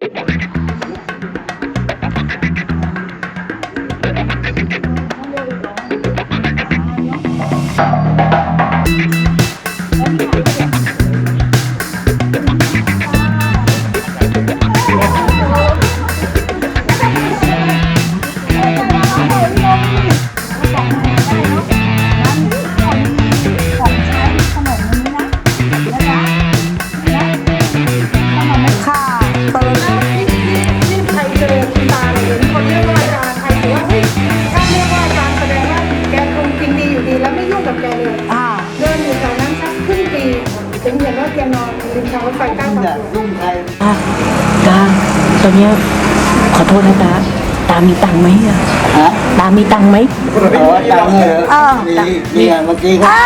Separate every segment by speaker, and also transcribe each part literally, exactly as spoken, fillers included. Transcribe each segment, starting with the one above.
Speaker 1: ตอนนี้ขอโทษนะตาตามีตังค์ไหมอะฮะตามีตังค์ไหม
Speaker 2: อ๋อตังค์เหรอมีมีเมื่อกี้ครับ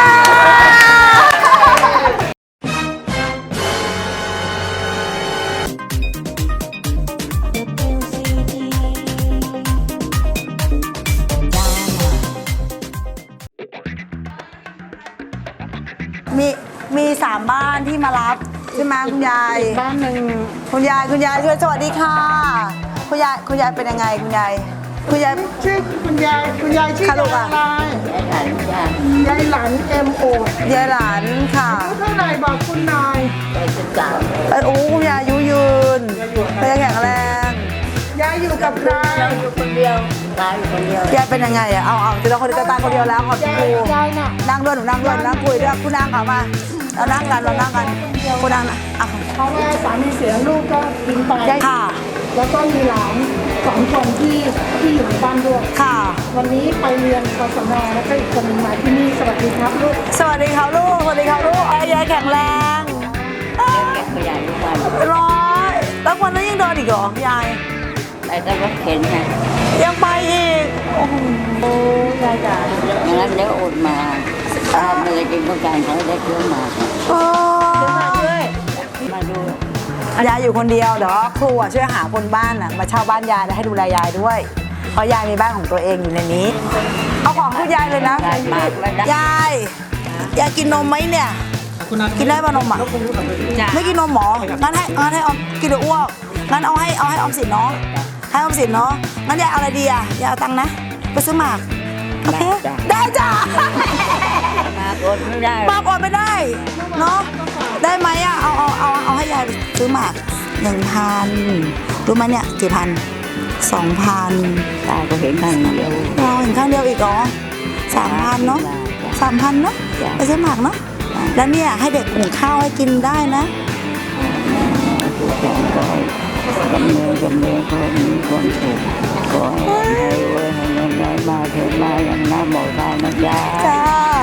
Speaker 3: มีมีสามบ้านที่มารับใช่ไหมคุณยาย
Speaker 4: บ้านหนึ่ง
Speaker 3: คุณยายคุณยายช่วยสวัสดีค่ะคุณยายคุณยายเป็นยังไงคุณยายคุณยาย
Speaker 4: ชื่อคุณยายคุณยายชื่อยายอะไรยายหลานเอ็มโอย
Speaker 3: ายหลานค่ะ
Speaker 4: เท่าไหร่บอกคุณนาย
Speaker 3: แปดสิบสามโอ้คุณยายอายุยืนคุณยายแข็งแรง
Speaker 4: ยายอยู่กับใคร
Speaker 1: อยู่คนเดียวตาอยู่คนเดียวย
Speaker 3: ายเป็นยังไงอ่ะเอาเอาจะเราคนเดียวตาคนเดียวแล้วขอบคุณ
Speaker 4: ยายน่ะ
Speaker 3: นั่งด้วยหนูนั่งด้วยนั่งคุยด้วยคุณนั่งค่ะมาเรานั่งกันเรานั่งกันคุณนั่งนะอ่ะ
Speaker 4: เพราะว่าสามีเสียลูกก็ทิ้งไป
Speaker 3: ค่ะ
Speaker 4: แล้วก็มีหลานสองคนที่ที่อยู่ในบ้านด้วย
Speaker 3: ค่ะ
Speaker 4: วันนี้ไปเรียนกศนแล้วก็อีกคนนึงมาที่นี่สวัสดีครับลูก
Speaker 3: สวัสดีครับลูกสวัสดีครับลูกยายแข็งแรง
Speaker 1: เก็บขยะทุกวัน
Speaker 3: ร้อยแล้ววันนั้นยังเดินอีกเหรอยาย
Speaker 1: ไปแต่รถเข็นไง
Speaker 3: ยังไปอีกโอ้โหยายจ๋า
Speaker 1: อย่างนั้นเดี๋ยวอดมาถ้าไม่ได้กินต้องการเขาได้เคี้ยวหมาก
Speaker 3: โอ้มาด้วย
Speaker 1: มาดู
Speaker 3: ยายอยู่คนเดียวเดี๋ยวครูช่วยหาคนบ้านอ่ะมาเช่าบ้านยายแล้วให้ดูแลยายด้วยเพราะยายมีบ้านของตัวเองอยู่ในนี้เอาของคุณยายเลยนะยายยายกินนมไหมเนี่ยกินได้ป่ะนมอ่ะไม่กินนมหมองั้นให้งั้นให้ออมกินเดี๋ยวอ้วกงั้นเอาให้เอาให้ออมสินเนาะให้ออมสินเนาะงั้นยายเอาอะไรดีอ่ะยายเอาตังค์นะไปซื้อหมากโอเคได้จ้ะ
Speaker 1: มาอดไม่ได้
Speaker 3: มากอดไม่ได้เนาะได้ไหมอ่ะเอาเอาเอาเอาให้ยายไปซื้อหมากหนึ่งพันรู้ไหมเนี่ยกี่พันสองพัน
Speaker 1: ตาก็เห็นข้างเดียว
Speaker 3: เราเห็นข้างเดียวอีกเหรอสามพันเนาะสามพันเนาะไปซื้อหมากเนาะแล้วเนี่ยให้เด็กหุงข้าวให้กินได้นะ
Speaker 1: จำเนินจำเนินคนมีคนถูกขอให้รวยให้เงินได้มาเถิดมาอย่างน้ำหมดได้นะจ๊ะ
Speaker 3: จ้า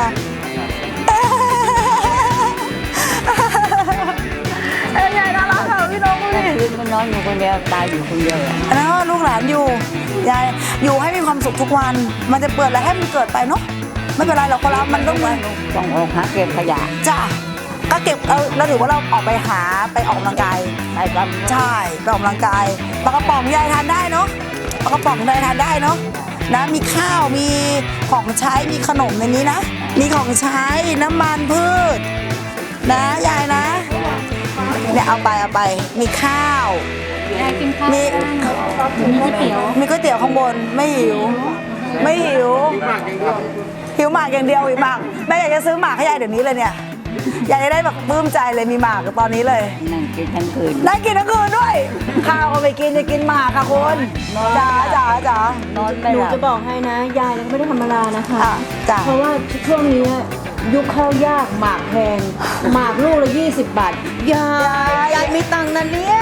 Speaker 3: เอ้ยยายน่ารักค่ะพี่น้องพี่
Speaker 1: คืนก็นอนอยู่คนเดียวตายอยู่คนเดียว
Speaker 3: แล้วลูกหลานอยู่ยายอยู่ให้มีความสุขทุกวันมันจะเปิดอะไรให้มันเกิดไปเนาะไม่เป็นไรหรอกคนเรามันต้อง
Speaker 1: ต้องออกหาเก็บขยะ
Speaker 3: จ้าก็เก็บเออเราถือว่าเราออกไปหาไปออกกำลังกาย
Speaker 1: ไปกัน
Speaker 3: ใช่ไปออกกำลังกายปลากระป๋องยายทานได้เนาะปลากระป๋องยายทานได้เนาะนะมีข้าวมีของใช้มีขนมในนี้นะมีของใช้น้ำมันพืชนะยายนะเนี่ยเอาไปเอาไปมีข้าวมีมีก๋วยเตี๋ยวมีก๋วยเตี๋ยวข้างบนไม่หิวไม่หิวหิวหมากอย่างเดียวหิวหมากแม่อยากจะซื้อหมากให้ยายเดี๋ยวนี้เลยเนี่ยอยากจะได้แบบปลื้มใจเลยมีหมากตอนนี้เลย
Speaker 1: นั่งกินทั้งคืน
Speaker 3: นั่งกินทั้งคืนด้วยข้าวก็ไม่กินจะกินหมากค่ะคุณจ๋าจ๋าจ๋า
Speaker 4: หนูจะบอกให้นะยายไม่ได้ธรรมดานะคะ
Speaker 3: จ๋า
Speaker 4: เพราะว่าช่วงนี้ยุคข้าวยากหมากแพงหมากลูกละยี่สิบบาทยายยายมีตังค์นะเนี่ย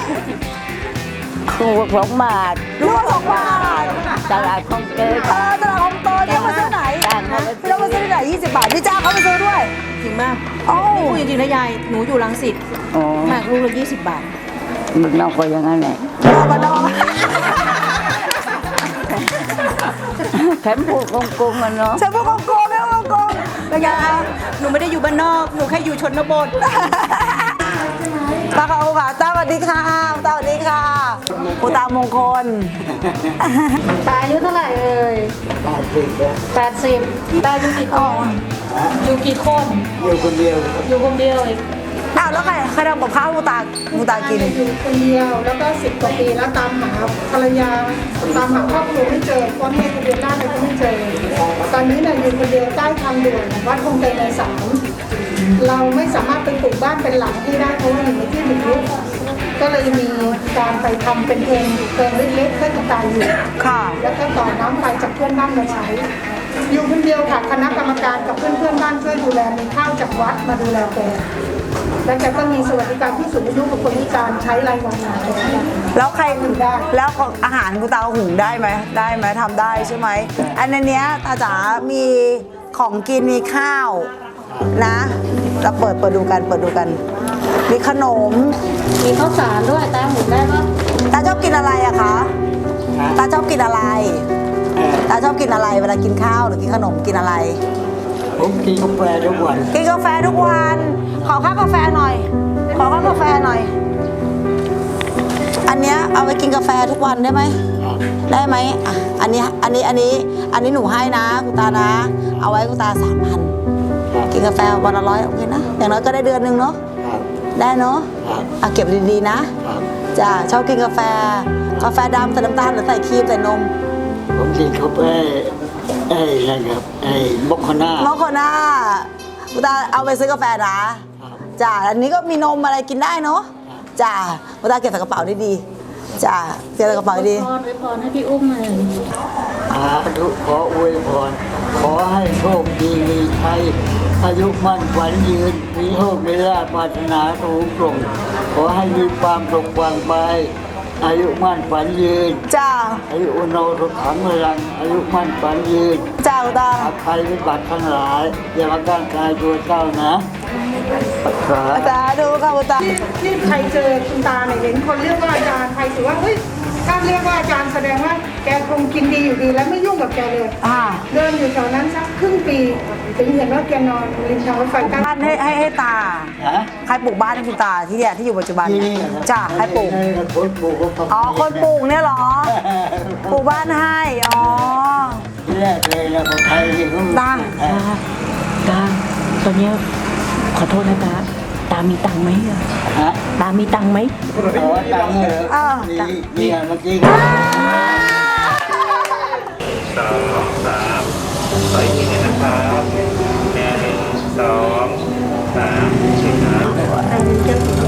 Speaker 1: ลูกสองบาท
Speaker 3: ลูกสองบาท
Speaker 1: ตลาดคลองเตย
Speaker 3: เออตลาดคลองเตยเนี่ยมาซื้อไหนเรามาซื้อที่ไหนยี่สิบบาทพี่จ้าเขาไปซื้อด้วย
Speaker 4: จริงมากโอ้พูดจริงๆนะยายหนูอยู่รังสิตหมากลูกละยี่สิบบาท
Speaker 1: มันนอกก็อย่างนั้นแหละ
Speaker 3: มันนอก
Speaker 1: แถมพูดโกงๆมันเนาะ
Speaker 3: แถมพูดโกงๆไม่โกงเป็นไง
Speaker 4: หนูไม่ได้อยู่บ้านนอกหนูแค่อยู่ชนบท
Speaker 3: ตาค่ะคุณค่ะตาสวัสดีค่ะตาสวัสดีค่ะคุณตามงคล
Speaker 4: ตาอายุเท่าไหร่เอ่ยแปดสิบแปดสิบตาอยู่กี่คนอยู่กี่คน
Speaker 2: อยู่คนเดียว
Speaker 4: อยู่คนเดียวเอง
Speaker 3: อ้าวแล้วใครใครทำกับข้าวให้คุณตาคุณตากิน
Speaker 5: อยู่คนเดียวแล้วก็สิบกว่าปีแล้วตามหาภรรยาตามหาครอบครัวไม่เจอพ่อแม่ทะเบียนราษฎร์อะไรก็ไม่เจอตอนนี้เนี่ยอยู่คนเดียวใต้ทางด่วนวัดคงใจในสามเราไม่สามารถไปปลูกบ้านเป็นหลังที่ได้เพราะว่าอยู่ในที่บุกรุกก็เลยมีการไปทำเป็นเพิงเพิงเล็กๆเพื่อกระจายอยู่
Speaker 3: ค่ะ
Speaker 5: แล้วก็ต่อน้ำไฟจากเพื่อนบ้านมาใช้ อยู่คนเดียวค่ะคณะกรรมการกับเพื่อนเพื่อนๆบ้านช่วยดูแลมีข้าวจากวัดมาดูแลแกแล้วแกก็มีสวัสดิการผู้สูงอายุกับคนพิการใช้รายวันมาแก
Speaker 3: แล้วใคร
Speaker 5: หุงได้
Speaker 3: แล้วอาหารคุณตาหุงได้ไหมได้ไหมทำได้ใช่ไหมอันในเนี้ยตาจ๋ามีของกินมีข้าวนะเราเปิดเปิดดูกันเปิดดูกัน มีขนม
Speaker 4: มีข้าวสารด้วยตาหมุนได้ปะ
Speaker 3: ตาชอบกินอะไรอะคะตาชอบกินอะไร
Speaker 2: เอ่อ
Speaker 3: ตาชอบกินอะไรเวลากินข้าวหรือกินขนมกินอะไร
Speaker 2: ผมกินกาแฟทุกวัน
Speaker 3: กินกาแฟทุกวัน ขอข้าวกาแฟหน่อย ขอข้าวกาแฟหน่อย อันเนี้ยเอาไปกินกาแฟทุกวันได้ไหม ได้ไหมอ่ะอันนี้ อันนี้ อันนี้ อันนี้หนูให้นะคุณตานะ เอาไว้คุณตาสามพัน กินกาแฟวันละร้อยโอเคนะ อย่างน้อยก็ได้เดือนหนึ่งเนาะ
Speaker 2: ครับ
Speaker 3: ได้เนาะ
Speaker 2: ครับ
Speaker 3: อ่ะเก็บดีๆนะ
Speaker 2: ครับ
Speaker 3: จ้าชอบกินกาแฟ กาแฟดำใส่น้ำตาลหรือใส่ครีมใส่นม
Speaker 2: ผมกินกาแฟไอ้อะไรครับไอ้มอคคาน่าม
Speaker 3: อคโคน่าคุณตาเอาไปซื้อกาแฟนะ
Speaker 2: ครับ
Speaker 3: จ้าอันนี้ก็มีนมอะไรกินได้เนาะจ้าคุณตาเก็บใส่กระเป๋าดีๆจ้าเก็บใส่กระเป๋าดี
Speaker 4: พรไว้พรให้พี่อุ้มเลย
Speaker 2: สาธุขออวยพรขอให้โชคดีมีชัยอายุมั่นขวัญยืนมีโชคมีลาภปรารถนาสูงส่งขอให้มีความสุขความไปอายุมั่นขวัญยืน
Speaker 3: จ้า
Speaker 2: อายุอุโนสุขังพลังอายุมั่นขวัญยืน
Speaker 3: จ้าคุณตา
Speaker 2: อาภัยวิบัติทั้งหลาย อย่ามาก้างกายตัวเจ้านะสา
Speaker 3: อาจารย์ดูค่ะคุณตา
Speaker 5: ที่ที่ใครเจอคุณตาเนี่ยเห็นคนเรียกว่าอาจารย์ใครถือว่าเฮ้ยถ้าเรียกว่าอาจารย์แสดงว่าแกคงกินดีอยู่ดีแล้วไม่ยุ่งกับแกเลย
Speaker 3: อ่า
Speaker 5: เดินอยู่แถวนั้นสักครึ่งปีถึงเห็นว่าแกนอนริมทางรถไฟใต้
Speaker 3: บ้านให้ให้ให้ตา
Speaker 2: ฮะ
Speaker 3: ใครปลูกบ้านให้คุณตาที่เนี่ยที่อยู่ปัจจุบัน
Speaker 2: ที่
Speaker 3: เนี่ย
Speaker 2: นี่เหรอ
Speaker 3: จ้าใครปลูก
Speaker 2: ให้คนปลูกก็
Speaker 3: อ๋อคนปลูกเนี่ยเหรอ ปลูกบ้านให้ อ๋อ
Speaker 2: ที่แรกเลยนะคนไทยที่เขา
Speaker 3: ตา
Speaker 2: เออ
Speaker 1: ตาตอนเนี้ยขอโทษนะตาตามีตังค์ไหมอะ
Speaker 2: ฮะ
Speaker 1: ตามีตังค์ไหม
Speaker 2: ขอตังค์เหรอ
Speaker 3: เออ
Speaker 2: มีมีอ่ะเมื่อกี้
Speaker 6: สองสามต่อยทีนึงนะครับหนึ่งสองสามสี่ครับ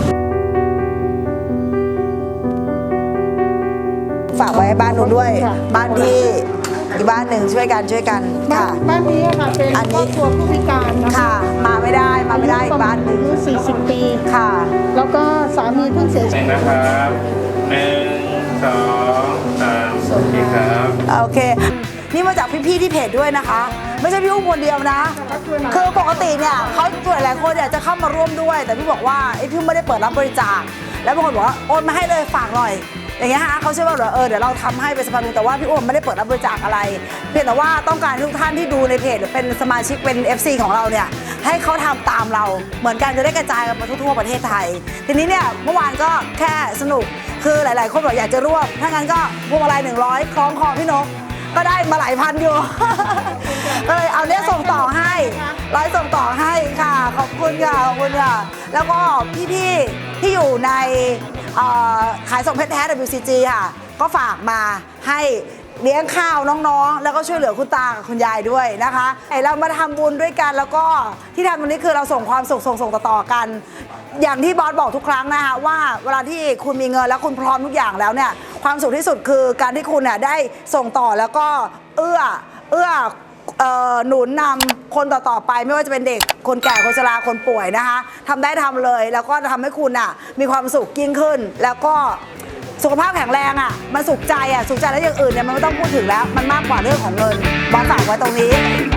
Speaker 3: ฝากไว้ให้บ้านนู้นด้วย บ้านที่อีกบ้านหนึ่งช่วยกันช่วยกัน
Speaker 5: บ้า
Speaker 3: ค่ะ
Speaker 5: นบ้านนี้อะค่ะเป็น
Speaker 3: อันนี้
Speaker 5: ครอบครัวผู้พิการนะคะ
Speaker 3: ค่ะ มาไม่ได้มาไม่ได้อีกบ้านหนึ่ง
Speaker 5: อายุสี่สิบปี
Speaker 3: ค่ะ
Speaker 5: แล้วก็สามีเพิ่งเสียชี
Speaker 6: ห
Speaker 5: วิต
Speaker 6: นึ่งนะครับหนึ่งสองสามสี่ครับ
Speaker 3: โอเค นี่มาจากพี่ๆที่เพจด้วยนะคะ ไม่ใช่พี่อุ้มคนเดียวนะ คือปกติเนี่ยเขาส่วนหลายคนอยากจะเข้ามาร่วมด้วย แต่พี่บอกว่าไอ้พี่ไม่ได้เปิดรับบริจาค แล้วบางคนบอกว่าโอนมาให้เลยฝากหน่อย อย่างเงี้ยฮะเขาเชื่อว่าเออเดี๋ยวเราทำให้เป็นสะพานบุญแต่ว่าพี่อุ้มไม่ได้เปิดรับบริจาคอะไร เพียงแต่ว่าต้องการให้ทุกท่านที่ดูในเพจหรือเป็นสมาชิกเป็น เอฟ ซี ของเราเนี่ยให้เขาทำตามเราเหมือนกันจะได้กระจายกันไปทั่วๆประเทศไทย ทีนี้เนี่ยเมื่อวานก็แค่สนุกคือหลาย ๆ คนบอกอยากจะร่วมถ้างั้นก็พวงมาลัยหนึ่งร้อยคล้องคอพี่นก ก็ได้มาหลายพันอยู่ ก็เลยเอาเนี้ยส่งต่อให้ร้อยส่งต่อให้ค่ะ ขอบคุณค่ะ ขอบคุณค่ะ แล้วก็พี่ๆที่อยู่ในเอ่อขายส่งเพชรแท้ ดับเบิลยู ซี จี ค่ะ ก็ฝากมาให้เลี้ยงข้าวน้องๆ แล้วก็ช่วยเหลือคุณตากับคุณยายด้วยนะคะเรามาทำบุญด้วยกันแล้วก็ที่ทำตรงนี้คือเราส่งความสุขส่งส่งต่อๆกัน อย่างที่บอสบอกทุกครั้งนะคะว่าเวลาที่คุณมีเงินแล้วคุณพร้อมทุกอย่างแล้วเนี่ยความสุขที่สุดคือการที่คุณเนี่ยได้ส่งต่อแล้วก็เอื้อเอื้อเอ่อหนุนนำคนต่อๆไปไม่ว่าจะเป็นเด็กคนแก่คนชราคนป่วยนะคะทำได้ทำเลยแล้วก็จะทำให้คุณอ่ะมีความสุขยิ่งขึ้น แล้วก็สุขภาพแข็งแรงอ่ะมันสุขใจอ่ะสุขใจแล้วอย่างอื่นเนี่ยมันไม่ต้องพูดถึงแล้วมันมากกว่าเรื่องของเงินบอสฝากไว้ตรงนี้